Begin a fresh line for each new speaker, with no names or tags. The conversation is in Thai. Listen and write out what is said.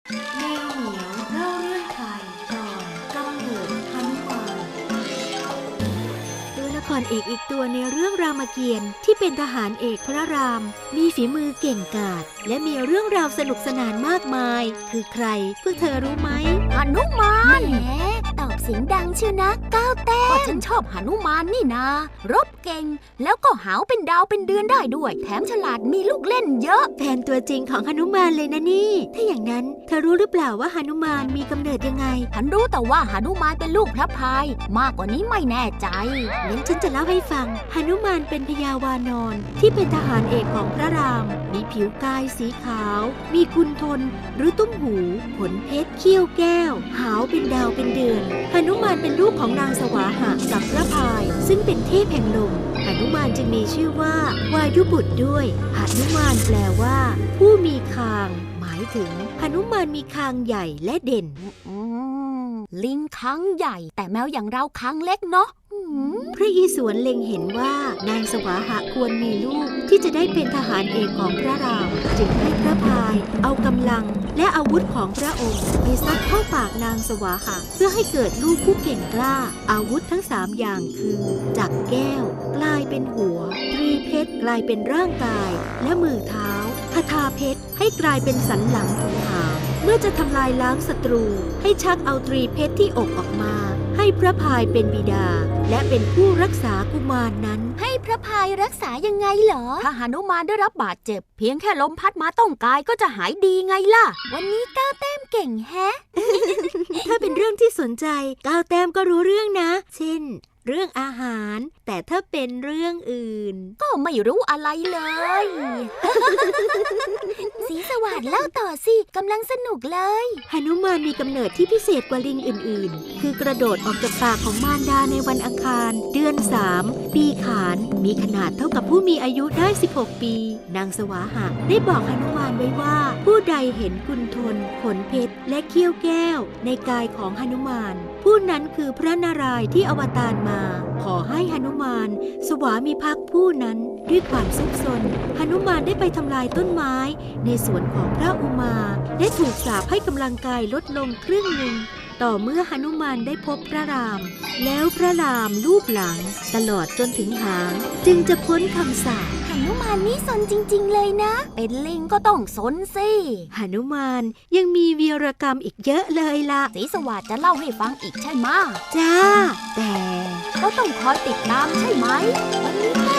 แมวเหมียวเล่าเรื่องไทยตอนกำเนิดหนุมานตัวละครเอกอีกตัวในเรื่องรามเกียรติ์ที่เป็นทหารเอกพระรามมีฝีมือเก่งกาจและมีเรื่องราวสนุกสนานมากมายคือใครพวกเธอรู้ไหม
หนุมานแหมตอบเสียงดังเชียวนะก้าวแต้มก็ฉันชอบหนุมานนี่นารบเก่งแล้วก็หาวเป็นดาวเป็นเดือนได้ด้วยแถมฉลาดมีลูกเล่นเยอะ
แฟนตัวจริงของหนุมานเลยนะนี่ถ้าอย่างนั้นเธอรู้หรือเปล่าว่าหนุมานมีกำเนิดยังไง
ฉันรู้แต่ว่าหนุมานเป็นลูกพระพายมากกว่านี้ไม่แน่ใจ
งั้นฉันจะเล่าให้ฟังหนุมานเป็นพญาวานอนที่เป็นทหารเอกของพระรามมีผิวกายสีขาวมีกุณฑลหรือตุ้มหูขนเพชรเขี้ยวแก้วหาวเป็นดาวเป็นเดือนหนุมานเป็นลูกของนางสวาหะกับพระพายซึ่งเป็นเทพแห่งลมหนุมานจึงมีชื่อว่าวายุบุตรด้วยหนุมานแปลว่าผู้มีคางหมายถึงหนุมานมีคางใหญ่และเด่น
ลิงคางใหญ่แต่แมวอย่างเราคางเล็กเนาะ
พระอิศวรเล็งเห็นว่านางสวาหะควรมีลูกที่จะได้เป็นทหารเอกของพระรามจึงให้พระพายเอากำลังและอาวุธของพระองค์ไปซัดเข้าปากนางสวาหะเพื่อให้เกิดลูกผู้เก่งกล้าอาวุธทั้ง3อย่างคือจักรแก้วกลายเป็นหัวตรีเพชรกลายเป็นร่างกายและมือเท้าคทาเพชรให้กลายเป็นสันหลังถึงหางเมื่อจะทำลายล้างศัตรูให้ชักเอาตรีเพชรที่อกออกมาให้พระพายเป็นบิดาและเป็นผู้รักษากุมารนั้น
ให้พระพายรักษายังไงเหรอถ้าหนุมานได้รับบาดเจ็บเพียงแค่ลมพัดมาต้องกายก็จะหายดีไงล่ะวันนี้ก้าวแต้มเก่งแฮะ
ถ้าเป็นเรื่องที่สนใจก้าวแต้มก็รู้เรื่องนะเช่นเรื่องอาหารแต่ถ้าเป็นเรื่องอื่น
ก็ไม่รู้อะไรเลยสีสวัสดิ์เล่าต่อสิกำลังสนุกเลย
หนุมานมีกำเนิดที่พิเศษกว่าลิงอื่นๆคือกระโดดออกจากปากของมารดาในวันอังคารเดือน3ปีขานมีขนาดเท่ากับผู้มีอายุได้16ปีนางสวาหะได้บอกหนุมานไว้ว่าผู้ใดเห็นกุณฑลขนเพชรและเขี้ยวแก้วในกายของหนุมานผู้นั้นคือพระนารายณ์ที่อวตารมาขอให้หนุมานสวามิภักดิ์ผู้นั้นด้วยความซุกซนหนุมานได้ไปทำลายต้นไม้ในสวนของพระอุมาและถูกสาปให้กำลังกายลดลงครึ่งหนึ่งต่อเมื่อหนุมานได้พบพระรามแล้วพระรามลูบหลังตลอดจนถึงหางจึงจะพ้นคำสาป
หนุมานนี่สนจริงๆเลยนะเป็นลิงก็ต้องสนสิ
หนุมานยังมีวีรกรรมอีกเยอะเลยล่ะ
ศรีสวัสดิ์จะเล่าให้ฟังอีกใช่ไหม
จ้าแต่
ก็ต้องคอยติดตามใช่ไหมวันนี้